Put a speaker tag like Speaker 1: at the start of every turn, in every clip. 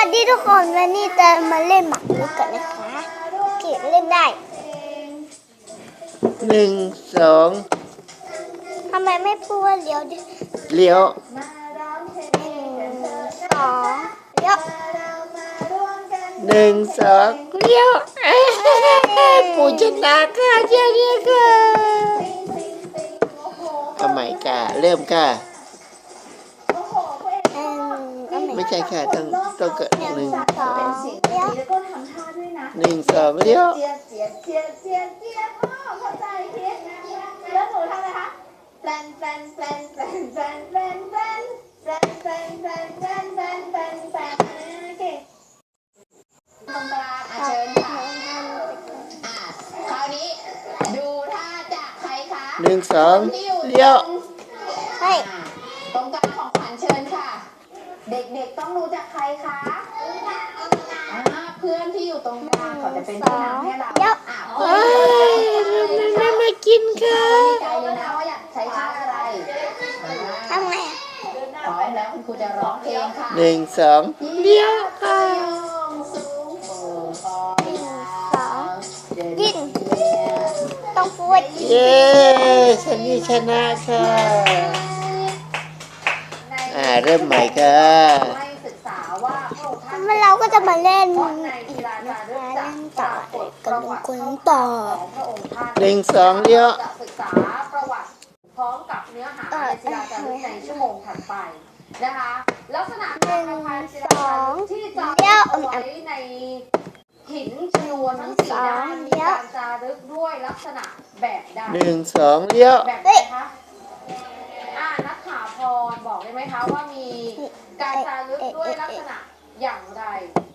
Speaker 1: วัสดีทุกคนวันนี้จะมาเล่นหมากรุกกันนะคะเก็บเล่นได้
Speaker 2: 1 2
Speaker 1: ทำไมไม่พูดว่าเลี้ยวดิ
Speaker 2: เลี้ยว
Speaker 1: 1 2เลี้ยว
Speaker 2: 1 2เลี้ยวปู่ชนะค่ะเจ้าเนี่ยค่ะเอาใหม่ค่ะเริ่มค่ะไม่ใช่ค่ะต้องเกิด1 2 1 2เลี้ยว
Speaker 3: แล้วหนูทำอะไรคะแปลนตรงกลางเชิญค่ะคราวนี้ดูท่าจากใครคะ
Speaker 2: 1 2เลี้ยว
Speaker 3: ตรงกลางของขวัญเชิญค่ะเด็กๆต้องรู้จักใครคะเพื่อนที่อยู่ตรงกลางเขาจะเป็นผู้นำให้เรา
Speaker 2: ไม่มากินค่ะ
Speaker 3: ใจเลยนะว่าอยากใช้ท่าอะไร
Speaker 1: ทำไง
Speaker 3: พร้อมแล้วคุณครูจะร้องเพลงค่ะ
Speaker 2: 1 2เลี้ยวค่ะ
Speaker 1: ยิงต้องพูด
Speaker 2: เย้ฉันนี่ชนะค่ะเริ่มใหม่ค่ะ
Speaker 1: เราก็จะมาเล่นอีกนะคะเล่นต่อกับลุงคุณต่อ
Speaker 2: 1 2เลี้ยว
Speaker 3: ศึกษาประวัติพร้อมกับเนื้อหาในศิลาจารึกในชั่วโมงถัดไปนะคะลักษณะการทำงานศิลาจารึกที่จะเอาไว้ในหินชนวนทั้ง4ด้านมีการจารึกด้วยลักษณะแบบใด
Speaker 2: 1 2เลี้ยว
Speaker 3: แบบไหนคะนักข่าวพรบอกได้ไหมคะว่ามีการจารึกด้วยลักษณะอย่างไร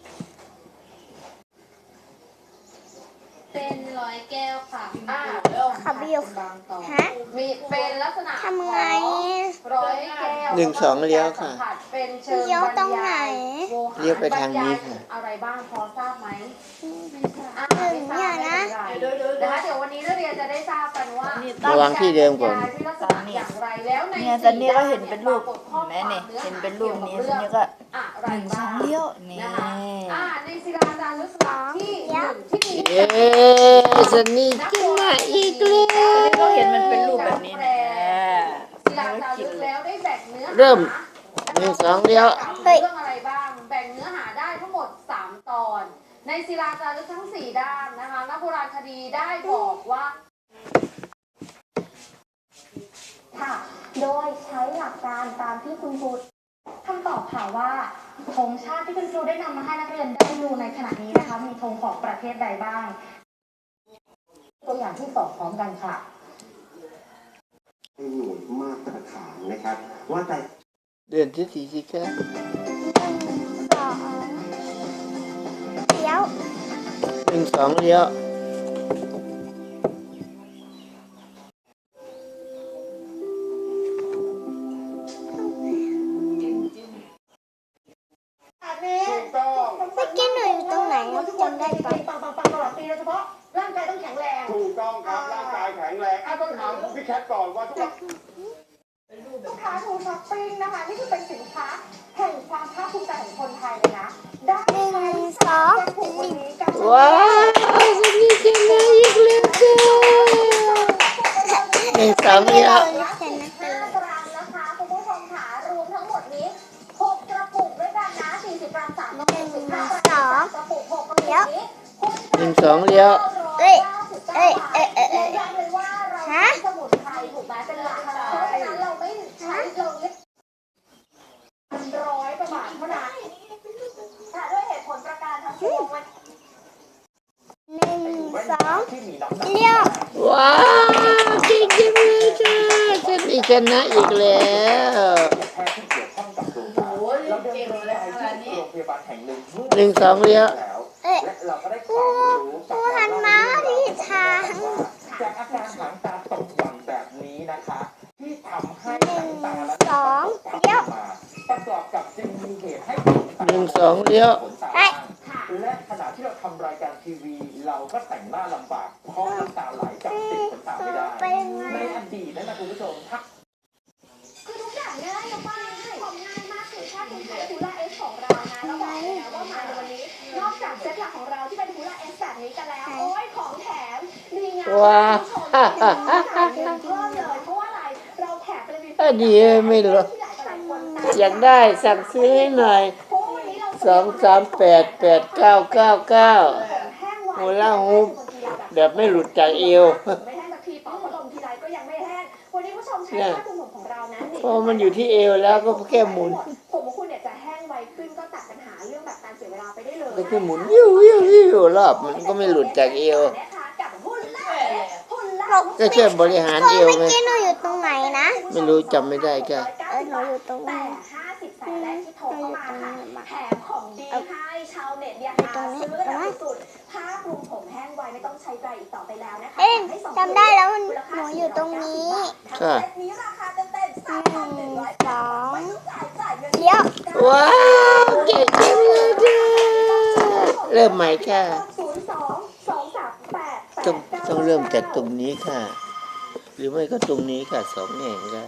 Speaker 3: เป็นร้อยแก้วค่ะ
Speaker 1: ขับบิวฮะ
Speaker 3: มีเป็นลักษณะ
Speaker 1: ทำไง
Speaker 3: ร้อยแก้ว
Speaker 2: 1 2เลี้ยวค่ะ
Speaker 3: เป็นเชิง
Speaker 1: เลี้ยวตรงไหน
Speaker 2: เลี้ยวไปทางนี้ค่ะ
Speaker 3: อะไรบ้างพอทราบไหม
Speaker 1: ถึงเนี่ยนะ
Speaker 3: นะคะเดี๋ยววันนี้นักเรียนจะได้ทราบกันว่า
Speaker 2: ระวังที่เดิมก่อน
Speaker 3: อย่างไรแล้วใน
Speaker 4: เนี่ยตอนนี้ก็เห็นเป็นรูปแม่เนี่ยเห็นเป็นรูปนี้ทีนี้ก็1 2เลี้ยวนี่
Speaker 3: ในศิลาจารึกที่มี
Speaker 2: เย้ฉันนี่ชนะอีกแล้ว
Speaker 4: ก็เห็นมันเป็นรูปแบบนี้นะ
Speaker 3: ศิลาจารึกแล้วได้แบ่งเนื้อ
Speaker 2: เริ่ม1 2เลี้ยว
Speaker 3: เรื่องอะไรบ้างแบ่งเนื้อหาได้ทั้งหมด3 ตอนในศิลาจารึกทั้ง4ด้านนะคะนักโบราณคดีได้บอกว่าค่ะโดยใช้หลักการตามที่คุณครูคำตอบค่ะว่าธงชาติที่คุณครูได้นำมาให้นักเรียนได้ดูในขณะนี้นะคะมีธงของประเทศใดบ้างตัวอย่างที่2พร้อมกันค่ะ
Speaker 5: ให้หน่วยมาตรฐานนะครับว่าแต่
Speaker 2: เดินที่สี่สิค่ะ
Speaker 1: เลี้ยว
Speaker 2: 1 2เลี้ยว
Speaker 1: เมื่อกี้หนูอยู่ตรงไหนจำได้ปะ
Speaker 3: ตลอดปีโดยเฉพาะร่างกายต้องแข็งแรง
Speaker 5: ถูกต้องครับร่างกายแข็งแรงต้องถามพี่แคทก่อนว่าทุ
Speaker 3: กค้าทูช้อปปิ้งนะคะนี่คือเป็นสินค้าแห่งความภาคภูมิใจของคนไทยเลยนะได้
Speaker 1: 1 2
Speaker 2: ว้าวฉันนี่ชนะอีกแล้วค่ะ1 2เลี้ยว
Speaker 3: 5 กรัมนะคะคุณผู้ชมค่ะรวมทั้งหมดนี้6 กระปุกด้วยกันนะ40 กรัม3 กระปุก15 กระปุก6 กระปุกนี้
Speaker 2: 1 2เลี้ยว
Speaker 1: ฮะ
Speaker 3: สมุนไพรถูกไหมเป็นหลักเพราะฉะนั้นเราไม่ใช้เราเล็ก100 กว่าบาทเท่านั้นด้วยเหตุผลประการทั้งปวง
Speaker 1: 1 2เลี้ยว
Speaker 2: ว้าวเก่งจังเลยค่ะฉันนี่ชนะอีกแล้ว1 2เลี้ยว
Speaker 1: ผู้หันมาที่ทาง
Speaker 5: จากอาการหางตาตกหย่อนแบบนี้นะคะที่ทำให้หางตาและ
Speaker 1: 2เลี้ยว
Speaker 5: ประกอบกับจึงมีเหตุให้
Speaker 2: 1 2เลี้ยว
Speaker 5: และขณะที่เราทำรายการทีวีเราก็แต่งหน้าลำบากเพราะน้ำตาไหลจากติดขนตาไม่ได้ในอดีตนะคุณผู้ชม
Speaker 3: คือทุกอย่างง่ายมากง่ายมากคือแค่คุณใช้ดูแลเอสของเรานะแล้วบอกเลยนะว่าจากเซตหลักของเราที่เป็นฮูลาเอสแบบนี้กันแล้วโอ้ยของแถมดีงาม
Speaker 2: ว้า
Speaker 3: เพิ่มเลยเพราะว่าอะไรเราแถมไปเลย
Speaker 2: อันนี้ไม่รู้อยากได้สั่งซื้อให้หน่อย2388999โฮล่าฮูปแบบไม่หลุดจากเอว
Speaker 3: ไม่แห้งสักทีเป่าพัดลมทีไรก็ยังไม่แห้งวันนี้ผู้ชมใช้ผ้าคลุมผมของเรานั้น
Speaker 2: พอมันอยู่ที่เอวแล้วก็แค่หมุน
Speaker 3: ผมของคุณเนี่ยจะแห้งไวขึ้นก็ตัดปัญหาเรื่องแบบการเสียเวลาไปได้เลย
Speaker 2: ก็แค่หมุนวิววิววิวรอบมันก็ไม่หลุดจากเอว
Speaker 3: กับหุ่นล่า
Speaker 2: ก็แค่บริหารเอว
Speaker 1: เมื่อ
Speaker 2: ไง
Speaker 1: กี้หนูอยู่ตรงไหนนะ
Speaker 2: ไม่รู้จำไม่ได้ก็
Speaker 1: หนูอยู่ตรง
Speaker 3: แต่
Speaker 1: นี้
Speaker 3: 50สายแรกที่โทรเข้ามาค่ะแถมของดีให้ชาวเน็ตเนี่ยหาซื้อกันแบบสุดๆผ้าคลุมผมแห้งไวไม่ต้องใช้ใจอีกต่อไปแล้วนะคะ
Speaker 1: เอ๊ะจำได้แล้วมันหนูอยู่ตรงนี้
Speaker 2: ค่ะ
Speaker 3: เซตนี้ราคาเต็มๆ 3,100
Speaker 1: สอง
Speaker 3: ไม่ต้องจ่ายเงิน
Speaker 1: เดี๋ยว
Speaker 2: ว้าวเก่งจังเลยจ้าเริ่มใหม่ค่ะ ต้องเริ่มจากตรงนี้ค่ะ หรือไม่ก็ตรงนี้ค่ะ2 แห่งค่ะ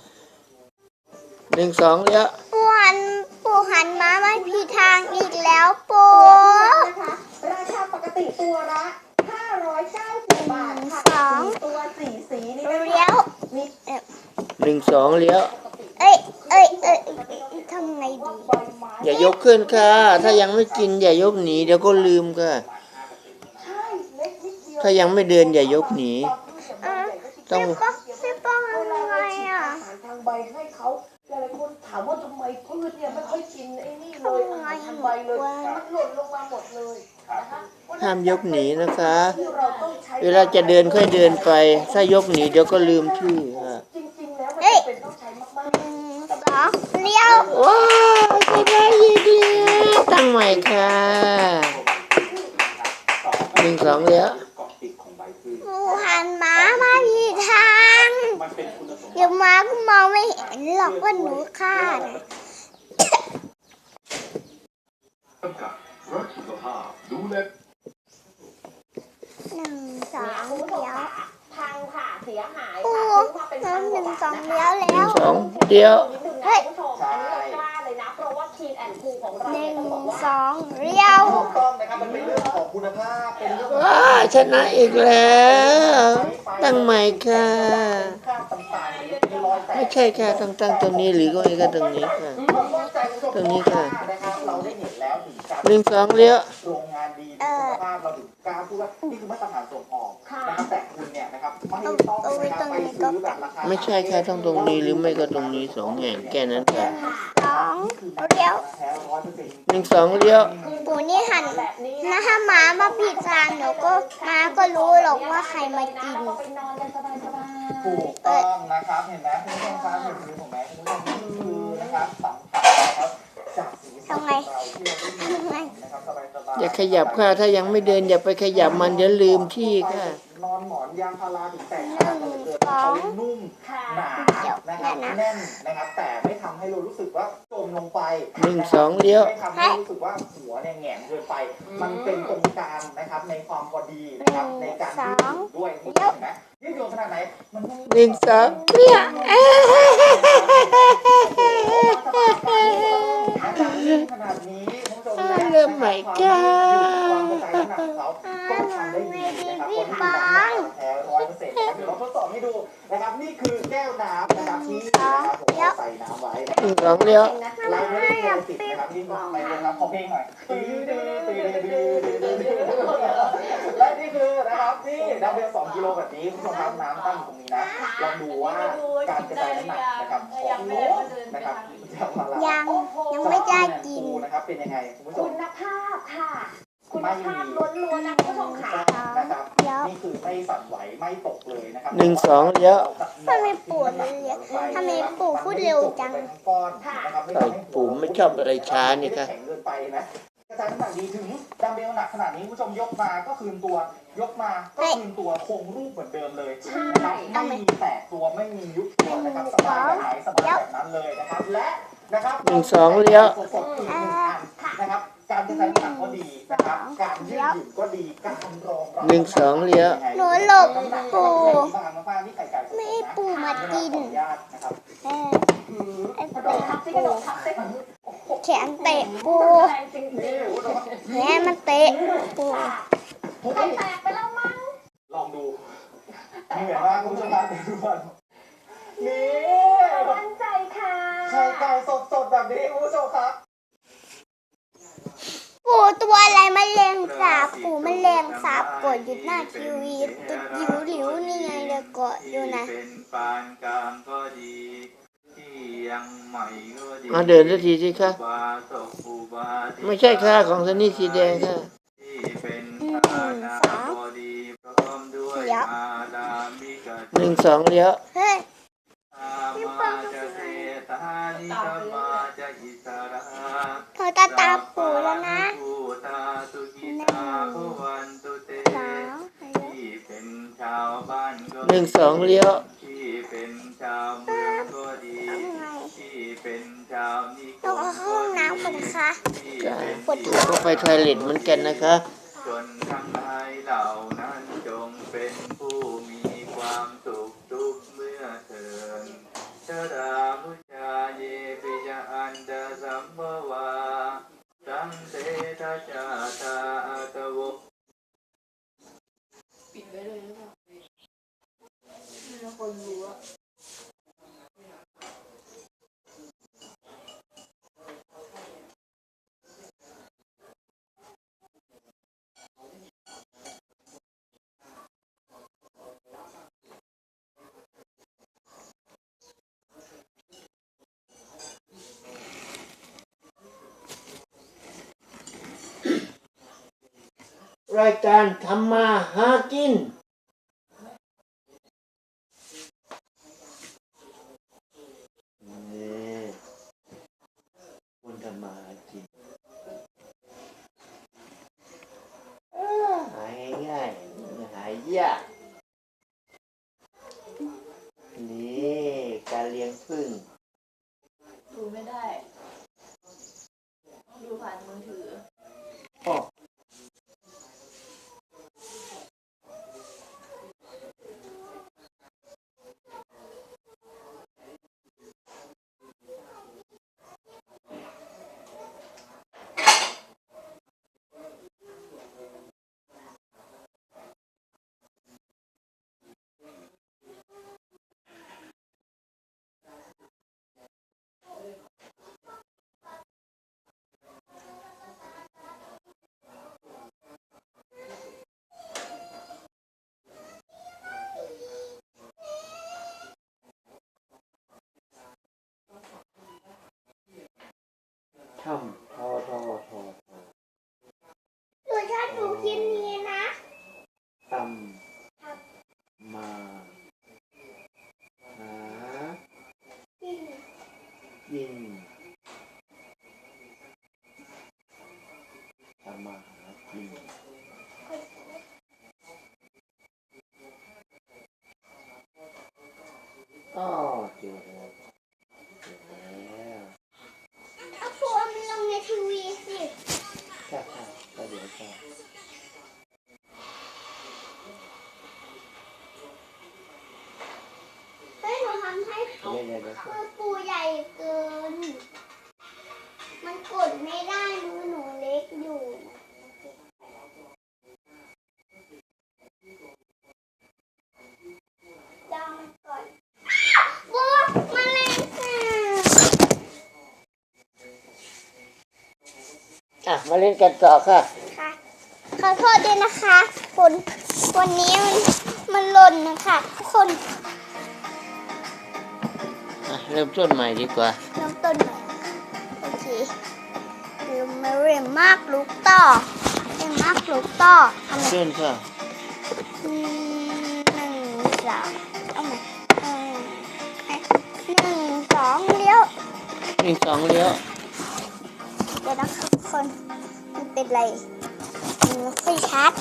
Speaker 2: 1 2แล้ว
Speaker 1: ปู่หันมาไม่ผิดทางอีกแล้วปู่
Speaker 3: นะคะราคาปกติตัวละ590 บาทค่ะตัว4สีนี่
Speaker 1: เลี้ยว
Speaker 2: 1 2แล้ว
Speaker 1: เอ้ยทำไงดี
Speaker 2: อย่ายกขึ้นค่ะ ถ้ายังไม่กินอย่ายกหนีเดี๋ยวก็ลืมค่ะ ถ้ายังไม่เดินอย่ายกหนีต้อง
Speaker 1: พี่ป้องทำไงอ่ะ
Speaker 5: ทางใบให้เขาหลายๆคนถามว่าทำไมพืชเนี่ยไม่ค่อยกินไอ้นี่เลยอาหารทางใบเลยมันหล่นลงมาหมดเลยนะคะ
Speaker 2: ห้ามยกหนีนะคะ
Speaker 5: ที่เราต้องใช้
Speaker 2: เวลาจะเดินค่อยเดินไป ถ้ายกหนีเดี๋ยวก็ลืมชื่อค่ะ
Speaker 5: จริงๆแล้วมันเป็นต้องใช้มาก
Speaker 1: 2เลี้ยว
Speaker 2: ว้าวใช่ได้ยินแล้วตั้งใหม่ค่ะ1 2แล้ว
Speaker 5: เกาะติดของใบพืช
Speaker 1: ปู่หันมาไม่ผิดทาง
Speaker 5: มันเป็นคุณสมบัติ
Speaker 1: เดี๋ยวมาก็มองไม่เห็นหรอกว่าหนูฆ่าน่ะ
Speaker 6: กับรักสุขภาพดูแล
Speaker 1: 1 2เลี้ยว
Speaker 3: พังค่ะเสียหาย
Speaker 1: ปู่
Speaker 3: ค่ะซื้อมาเป็น
Speaker 1: น้
Speaker 3: พัน
Speaker 1: ำ
Speaker 3: ก
Speaker 1: 1
Speaker 3: ว่าบาท
Speaker 1: 2
Speaker 3: นะคะ
Speaker 1: เลี้ยวแล้ว
Speaker 2: 2เดี๋ยว
Speaker 3: นิดนึงนะคุณผู้ชมอันนี้เรากล้าเลยนะเพราะว่าคีนแอนด์คูของเรา
Speaker 1: 1
Speaker 3: เนี่ยต้องบอกว่า
Speaker 1: 2เลี้ยว
Speaker 5: ถูกต้องนะครับมันเป็นเรื่องของคุณภาพเป็นเรื่องของ
Speaker 2: ว้าชนะอีกแล้ว ตั้งใหม่ค่ะ
Speaker 5: ค่าต่างๆหรือมีรอยแตก
Speaker 2: ไม่ใช่ค่ะต้องตั้งตรงนี้หรือก็ตรงนี้ค่ะ
Speaker 5: ผมมั่นใจคุณผู้ชม
Speaker 2: ตรงนี้ค่ะ
Speaker 5: นะครับเราได้เห็นแล้วถึงการ
Speaker 2: 1 2เลี้ยว
Speaker 5: โรงงานดีมีคุณภาพเราถึงกล้าพูดว่านี่คือมาตรฐานส่งออกนะครับแต่คุณเนี่ยนะครับไม่ต้องนะครับไปซื้อแบบราคา
Speaker 2: ไม่ใช่ค่ะต้องตรงนี้หรือไม่ก็ตรงนี้2 แห่งแค่นั้นค่ะ
Speaker 1: 2เลี้ยว
Speaker 5: แท้100%
Speaker 2: 1 2เลี้ยว
Speaker 1: ปู่นี่หันนะถ้าหมามาผิดทางเดี๋ยวก็หมาก็รู้หรอกว่าใครมากิน
Speaker 3: เราไปนอนกันสบายๆ
Speaker 5: ถูกต้องนะครับเห็นไหมคุณผู้ชมครับเห็นมือผมไหมคุณผู้ชมนี่คือนะครับสัมผัสนะครับจากสีสันของเราที่เราได้ยินนะครับสบายๆ
Speaker 2: อย่าขยับค่ะ ถ้ายังไม่เดินอย่าไปขยับมันเดี๋ยวลืมที่ค่ะ
Speaker 5: นอนหมอนยางพาราถึงแตกหักกันเหลือเกินเขานุ่มหนานะครับแน่นนะครับแต่ไม่ทำให้เรารู้สึกว่าจมลงไป
Speaker 2: 1 2เลี้ยว
Speaker 5: ไม่ทำให้รู้สึกว่าหัวเนี่ยแหงนเกินไป มันเป็นตรงกลางนะครับในความพอดีนะครับในการยืดหยุ่นด้วยเห็นไหมยืดหยุ่นขนาดไหนมันไม่
Speaker 2: 1 2เลี้ยว
Speaker 5: ขนาดนี้คุณผู้ชม
Speaker 2: เริ่มใหม่ค่ะ
Speaker 5: ความเข้าใจน้ำหนักของเขาก็ทำได้ดีนะครับคนที่มีน้ำหนักแท้100%นะครับเดี๋ยวเราทดสอบให้ดูนะครับนี่คือแก้วน้ำนะครับที่นะครับผมใส่น้ำไว้นะครับ
Speaker 2: 1 2เลี้ยว
Speaker 5: เราไม่ได้โดนติดนะครับนี่ไปเลยครับขอเพลงหน่อยและนี่คือนะครับนี่ดัมเบล2 กิโลแบบนี้คุณผู้ชมครับน้ำตั้งอยู่ตรงนี้นะลองดูว่าการกระจายน้ำหนักนะครับของโน้ตนะครับ
Speaker 1: ยังไม่ได้กิน
Speaker 5: นะครับเป็นยังไงคุณผู้ชม
Speaker 3: คุณภาพค่ะ คุณภาพล้วนๆนะคุณผู้ชมค่ะ
Speaker 5: นะครับนี่คือไม่สั่นไหวไม่ตกเลยนะครับ
Speaker 2: 1 2เลี้ยว
Speaker 1: ทำไมปู่เลี้ยวทำไมปู่พูดเร็วจัง
Speaker 2: ปู่ไม่ชอบอะไรช้านี่ค่ะ
Speaker 5: แข็งเกินไปนะกระจายน้ำหนักดีถึงดัมเบลหนักขนาดนี้คุณผู้ชมยกมาก็คืนตัวยกมาก็คืนตัวคงรูปเหมือนเดิมเลยนะครับไม่มีแตกตัวไม่มียุบตัวนะครับสบายแบบไหนสบายแบบนั้นเลยนะครับและนะครับ
Speaker 2: 1 2เลี้ยว
Speaker 5: สดๆอีก1 อันนะครับการกระจายน้ำหนักก็ดีนะครับการยืดหยุ่นก็ดีการรองรับ
Speaker 2: 1 2เลี้ยว
Speaker 1: หนูหลบปู่ ไม่ให้ปู่มากิน ไอ้
Speaker 3: กระโด
Speaker 1: ปู่
Speaker 3: ดทับซิกระโดดทับซิ
Speaker 1: แขนเตะปู
Speaker 3: แรงจริง
Speaker 5: นี่คุณผู้ชม
Speaker 1: แม่มันเตะปู
Speaker 3: ไข่แตกไปแล้วมั้ง
Speaker 5: ลองดูเหนื่อยมากคุณผู้ชมครับทุกคนนี่
Speaker 3: มั่นใจค่ะ
Speaker 5: ไข่ไก่สดๆแบบนี้คุณผู้ชมครับ
Speaker 1: ปูตัวอะไรแมลงสาบปูแมลงสาบกดอยู่หน้าทีวีตัวหลิวๆนี่ไงเดี๋ยวกดอยู่นะ
Speaker 7: เป็นปานกลางก็ดีที่ยังใหม่ก็ดี
Speaker 2: มาเดินสักทีสิคะ
Speaker 7: บาศกอุบาสิ
Speaker 2: ไม่ใช่ค่ะของซันนี่สีแดงค่ะ
Speaker 7: ที่เป็นทานาบดีพร้อมด้วยอาดามิกะ
Speaker 2: หนึ่งสองเลี้ยว
Speaker 1: เฮ้ย
Speaker 7: อามาจะเทตานิกามาจะอิสระ
Speaker 1: เธอตาตาปูแล้วนะ
Speaker 7: ภูตาสุกิตาภวันตุเต
Speaker 1: สาว
Speaker 7: ที่เป็นชาวบ้านก็
Speaker 2: หนึ่งสองเลี้ยว
Speaker 7: ที่เป็นชาวเมืองก็ดี ที่เป็นชาวนิค
Speaker 1: ต้อง
Speaker 7: ม
Speaker 1: เอาห้องน้ำก่อนนะคะ
Speaker 7: ที่
Speaker 2: จ้ะ
Speaker 7: เป็น
Speaker 1: ปวดท้อง
Speaker 2: ก็ไปทอยเล็ตเหมือนกันนะคะ
Speaker 7: จนทั้งหลายเหล่านั้นจงเป็นผู้มีความสุขทุกเมื่อเถิดชะดามุชาเยปิยะอันดาสัมภวาสังเตทัจจาตาอัตโว
Speaker 2: รายการทำมาหากินนี่คนทำมาหากินหายง่ายๆหายยากนี่การเลี้ยงผึ้ง
Speaker 4: ดูไม่ได้ ดูผ่านมือถือ
Speaker 2: อ๋อทำทอทอทอ
Speaker 1: หนูชอบดูคลิปนี้นะ
Speaker 2: ทำมาหากินทำมาหากินอ๋อเจอแล้วเจอแล้ว
Speaker 1: เอาปูมันลงในทีวีสิ
Speaker 2: ใช่ค่ะก็เดี๋ยวก็
Speaker 1: เฮ้ยหนูทำให้
Speaker 2: เดี๋ยวก็
Speaker 1: คือปูใหญ่เกิน มันกดไม่ได้มือหนูเล็กอยู่ลองก่อนปูมาเลยค่ะ
Speaker 2: อ่ะมาเล่นกันต่อค่ะ
Speaker 1: ค่ะขอโทษด้วยนะคะคุณวันนี้มันหล่นนะคะทุกคน
Speaker 2: อ่ะเริ่มต้นใหม่ดีกว่า
Speaker 1: เริ่มต้นใหม่โอเคเริ่มมาเรียนมากลูกต่อเรียนมากลูกต่อทำไม
Speaker 2: เริ่มค่ะ
Speaker 1: หนึ่งสองเอาใหม่หนึ่งสองเลี้ยว
Speaker 2: หนึ่งสองเลี้ยว
Speaker 1: เดี๋ยวนะคะทุกคนมันเป็นไรมันไม่ค่อยชัด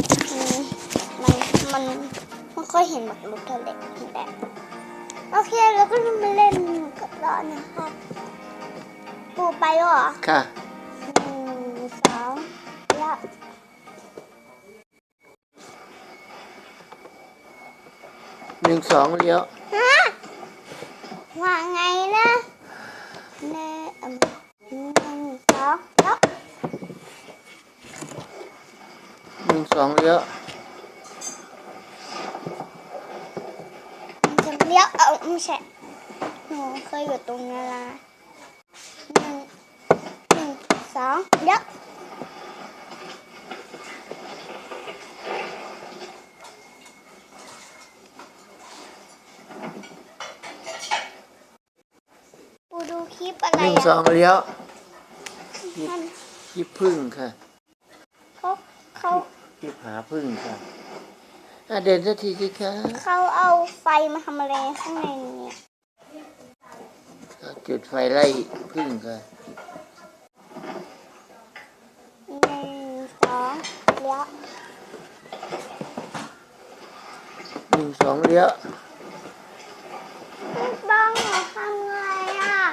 Speaker 1: มันไม่ค่อยเห็นหมากรุกเท่าไหร่แต่โอเคเราก็จะมาเล่นกับเรานะคะปูไปเหรอ
Speaker 2: ค่ะ
Speaker 1: หนึ่งสองแล้ว
Speaker 2: หนึ่งสองเลี้ยว
Speaker 1: ฮะว่าไงนะหนึ่งสองแล้ว
Speaker 2: 2เลี้ยว
Speaker 1: 1 2 เลี้ยวไม่ใช่หนูเคยอยู่ตรงนั้นละ1 2 เลี้ยวปูดูคลิปอะไร
Speaker 2: 1 2เลี้ยวคลิปพึ่งค่ะ
Speaker 1: เขา
Speaker 2: คลิปหาพึ่งค่ะเดินสักทีสิคะ
Speaker 1: เขาเอาไฟมาทำอะไรข้างในนี้
Speaker 2: จุดไฟไล่พึ่งค่ะ
Speaker 1: 1 2 เลี้ยว
Speaker 2: 1 2เลี้ยว
Speaker 1: บ้องหนูทำไงอ่ะ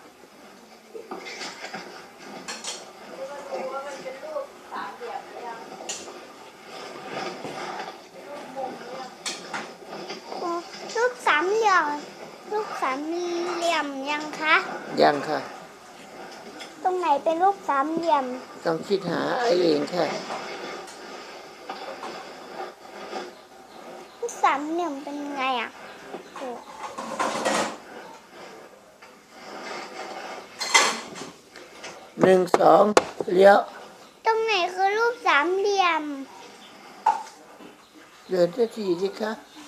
Speaker 1: รูปสามเหลี่ยมรูปสามเหลี่ยมยังคะ
Speaker 2: ยังค่ะ
Speaker 1: ตรงไหนเป็นรูปสามเหลี่ยม
Speaker 2: ต้องคิดหาเองค่ะ
Speaker 1: รูปสามเหลี่ยมเป็นไงอ่ะโอ้
Speaker 2: 1 2เลี้ยว
Speaker 1: ตรงไหนคือรูปสามเหลี่ยม
Speaker 2: เดินสักทีสิคะ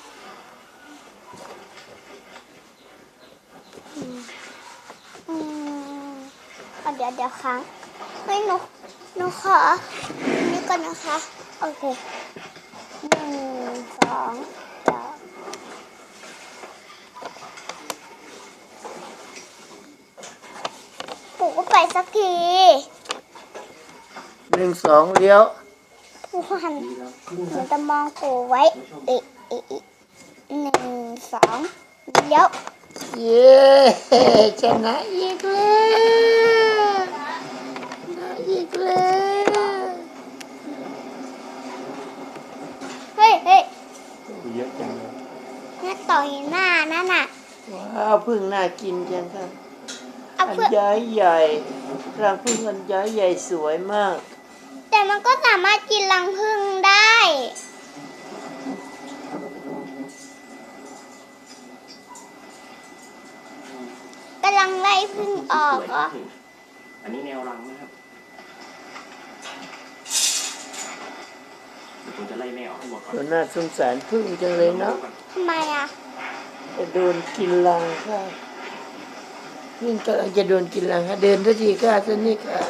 Speaker 1: เดี๋ยวค้างเฮ้ยหนูขอนี่ก่อนนะคะ โอเค 1 2 เดี๋ยวปู่ก็ไปสักที
Speaker 2: 1 2เลี้ยว
Speaker 1: ปู่หันหนูจะมองปู่ไว้อีก1 2 เดี๋ยว
Speaker 2: เย้ชนะอีกแล้วชนะอีกแล้ว
Speaker 1: เฮ้ย
Speaker 2: เยอะจังเลย
Speaker 1: น่าต่อยหน้านั่นน่ะ
Speaker 2: ว้าวพึ่งน่ากินจังค่ะ
Speaker 1: เอา
Speaker 2: อัน
Speaker 1: เพื่อ
Speaker 2: ย้ายใหญ่รังพึ่งอันย้ายใหญ่สวยมาก
Speaker 1: แต่มันก็สามารถกินรังผึ้งได้กำลังไล่ผึ้งออกเหรอ
Speaker 5: อันนี้แนวรังนะครับผมจะไล่แม่ออกให้หมดก่อน
Speaker 2: ตัวน่าสงสารพึ่งจังเลยเนาะ
Speaker 1: ทำไมอ่ะ
Speaker 2: จะโดนกินรังค่ะพึ่งกำลังจะโดนกินรังค่ะเดินสักทีค่ะสักนิดค่ะ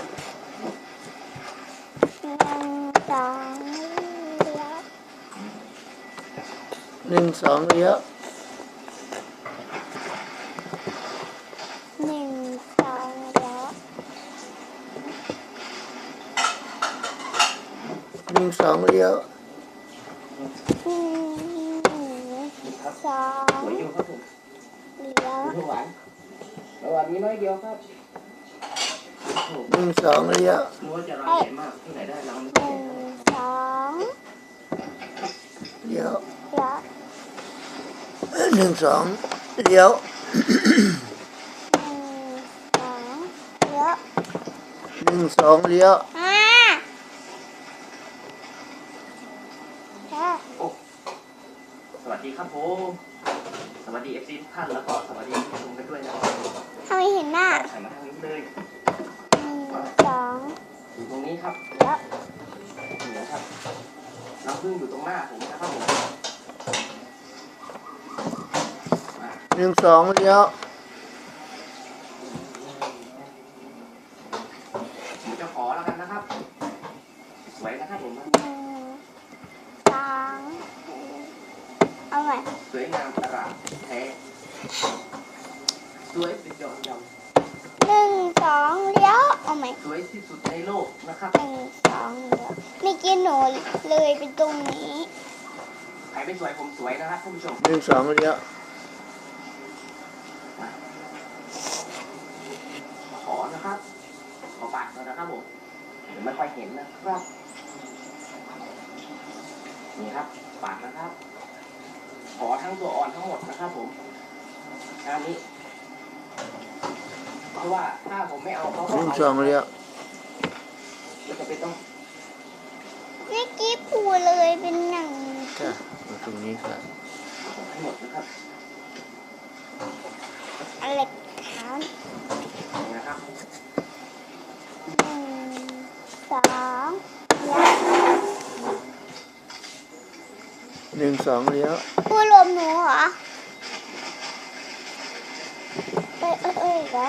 Speaker 1: 1 2 เลี้ยว
Speaker 2: 1 2เลี้ยว
Speaker 1: 1 2 เลี้ยว
Speaker 2: 1 2เลี้ยว
Speaker 1: 1 2
Speaker 5: สวยอยู่ครับผม
Speaker 1: เลี้ยว
Speaker 5: หวานหวานนี้น้อยเดียวครับ
Speaker 2: 1 2เลี้ยว
Speaker 5: รู้ว่าจะรังใหญ่มากที่ไหนได้รัง
Speaker 1: 1 2
Speaker 2: เลี้ยว
Speaker 1: เลี้ยว
Speaker 2: 1 2เลี้ยว
Speaker 1: 1 2 เลี้ยว
Speaker 2: 1 2เลี้ยว
Speaker 5: สวัสดีครับผมสวัสดีเอฟซีทุกท่านแล้วก็สวัสดีผู้ชมกันด้วยนะ
Speaker 1: ทำไมเห็นหน้า
Speaker 5: ใส่มาทางนี้เลย
Speaker 1: 1 2
Speaker 5: อยู่ตรงนี้ครับ
Speaker 1: เลี้ยว
Speaker 5: เหนือครับรังผึ้งอยู่ตรงหน้าผมนะครับผม
Speaker 2: 1 2เลี้ยว
Speaker 5: ผมจะขอแล้วกันนะครับสวยนะครับผม
Speaker 1: 1 2 เอาใหม่
Speaker 5: สวยงามตลาดแท้สวยเป็นยอดเยี่ยม
Speaker 1: 1 2 เลี้ยว เอาใหม่
Speaker 5: สวยที่สุดในโลกนะครับ
Speaker 1: 1 2 เลี้ยวไม่กินหนูเลยไปตรงนี้
Speaker 5: ใครไม่สวยผมสวยนะครับท่านผู้ชม
Speaker 2: 1 2เลี้ยว
Speaker 5: ขอนะครับขอปากหน่อยนะครับผมเดี๋ยวไม่ค่อยเห็นนะครับนี่ครับปากนะครับ ขอทั้งตัวอ่อนทั้งหมดนะครับผมงานนี้ เพราะว่าถ้าผมไม่เอาเขาก็เอา
Speaker 2: 1 2เลี้ยว
Speaker 5: เราจะเป็นต้อง
Speaker 1: นี่กี้ปูเลยเป็นหนัง
Speaker 2: ค่ะมาตรงนี้ค่ะ
Speaker 5: ให้หมดนะครับ
Speaker 1: อะไรขาว
Speaker 5: นะครับ
Speaker 1: 1 2แล้ว
Speaker 2: 1 2เลี้ยว
Speaker 1: ปูรวมหนูเหรอเหรอ1 2เลี้ยว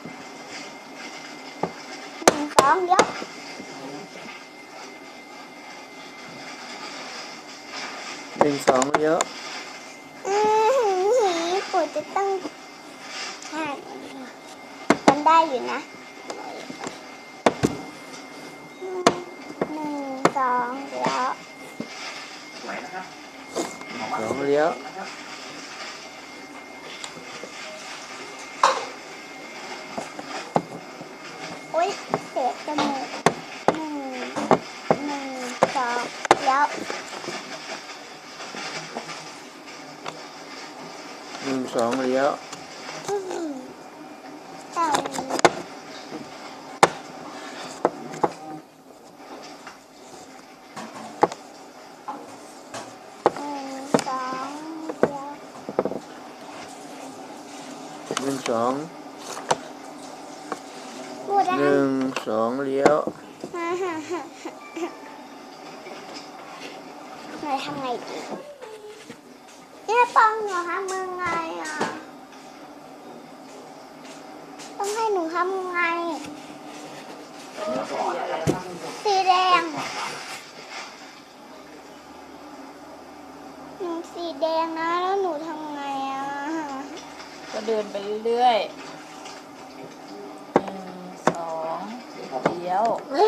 Speaker 2: 1 2เลี้ยว
Speaker 1: ปูจะต้องมันได้อยู่นะ1 2แล้ว
Speaker 5: สวยนะครับ
Speaker 2: 2เลี้ยว
Speaker 5: นะครับ
Speaker 1: โอ๊ยเสียจมูก1 2แล้ว
Speaker 2: 1 2เลี้ยว
Speaker 1: ต่อ
Speaker 2: 1 2
Speaker 1: พูดได้
Speaker 2: 1 2เลี้ยว
Speaker 1: หนูทำไงดีเนี่ยปองหนูทำยังไงอ่ะต้องให้หนูทำไงสีแดงหนูสีแดงนะแล้วหนูทำไงอ่ะ
Speaker 4: ก็เดินไปเรื่อยๆ1 2เลี้ยว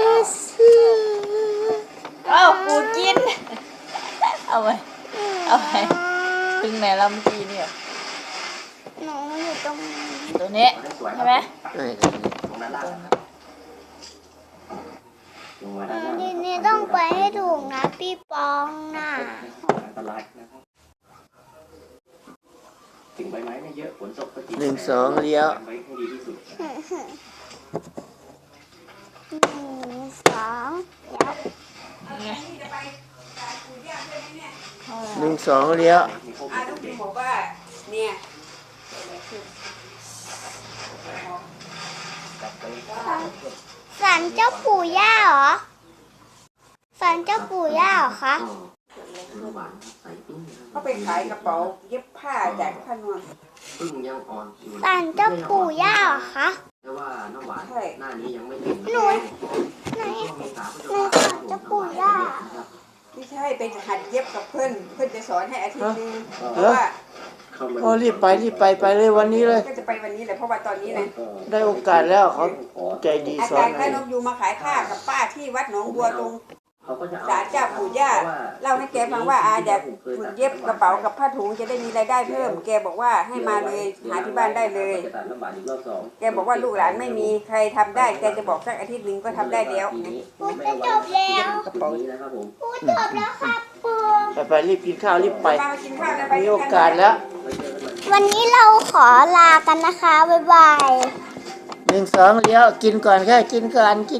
Speaker 4: เอ้าปูกิน เอาไปถึงไหนแล้วเมื่อกี้เนี่ย
Speaker 1: หนูอยู่ตรง
Speaker 4: ตัวนี้ใช่ไหม
Speaker 2: ใช่
Speaker 5: ตรงนั้นล่ะลงมาด้านล่าง
Speaker 1: ทีนี้ต้องไปให้ถูกนะพี่ปองน่ะ
Speaker 5: อันตรายนะครับถึงใบไม้ไม่เยอะฝนตกก็จริง
Speaker 2: 1 2เลี้ยว
Speaker 5: ไว้ให้ดีที่สุด
Speaker 1: 1 2แล้ว
Speaker 2: 1 2เลี้ยว
Speaker 5: มีพวก
Speaker 8: ลูกพิมบอกว่าเนี่ย
Speaker 1: ศาลเจ้าปู่ย่าเหรอศาลเจ้าปู่ย่าเหรอคะ
Speaker 8: เขาไปขายกระเป๋าเย็บผ้าจากผ้านวล
Speaker 9: พึ่งยังอ่อนอยู่
Speaker 1: ศาลเจ้าปู่ย่าเหรอคะ
Speaker 9: แต่ว่าน้ำหวาน
Speaker 8: ใช่
Speaker 9: หน้านี้ยังไม่ถึง
Speaker 1: หนูไหน
Speaker 9: ช่วงเมษาพฤษ
Speaker 1: ใน
Speaker 9: ภา
Speaker 1: ศาลเจ้าปู่ย่า
Speaker 8: ไม่ใช่ไปหัดเย็บกับเพื่อนจะสอนให้อาทิตย์นึงเพ
Speaker 2: เหรอ
Speaker 8: ราะว่า
Speaker 9: เข้ามา
Speaker 2: โอ้รีบไปเลยวันนี้เลย
Speaker 8: ก็จะไปวันนี้แหละเพราะว่าตอนนี้นะ
Speaker 2: ได้โอกาสแล้วเขาใจดี
Speaker 8: อา
Speaker 2: สอ
Speaker 8: จาน รย์
Speaker 2: ให้
Speaker 8: พระนมยูมาขายผ้ากับป้าที่วัดหนองบัวตรง
Speaker 9: เขาก็จะเอา
Speaker 8: ศาลเจ้าปู่ย่าเล่าให้แกฟังว่าอาอยากฝึกเย็บกระเป๋ากับผ้าถุงจะได้มีรายได้เพิ่ม แกบอกว่าให้มาเลยหาที่บ้านได้เลย
Speaker 9: จะตัดน้ำหวานอีกรอบสอง
Speaker 8: แกบอกว่าลูกหลานไม่มีใครทำได้แกจะบอกสักอาทิตย์หนึ่งก็ทำได้แล้ว
Speaker 9: ปีนี้
Speaker 1: พูดจะจบแล้ว
Speaker 9: ปีนี้นะครับผม
Speaker 1: พูดจบแล้วครับปู
Speaker 2: ไปรีบกินข้าวรีบไป
Speaker 8: มากินข้าวกันไป
Speaker 2: มีโอกาสแล้ว
Speaker 1: วันนี้เราขอลากันนะคะ บ๊ายบาย
Speaker 2: 1 2เลี้ยวกินก่อนค่ะกินก่อน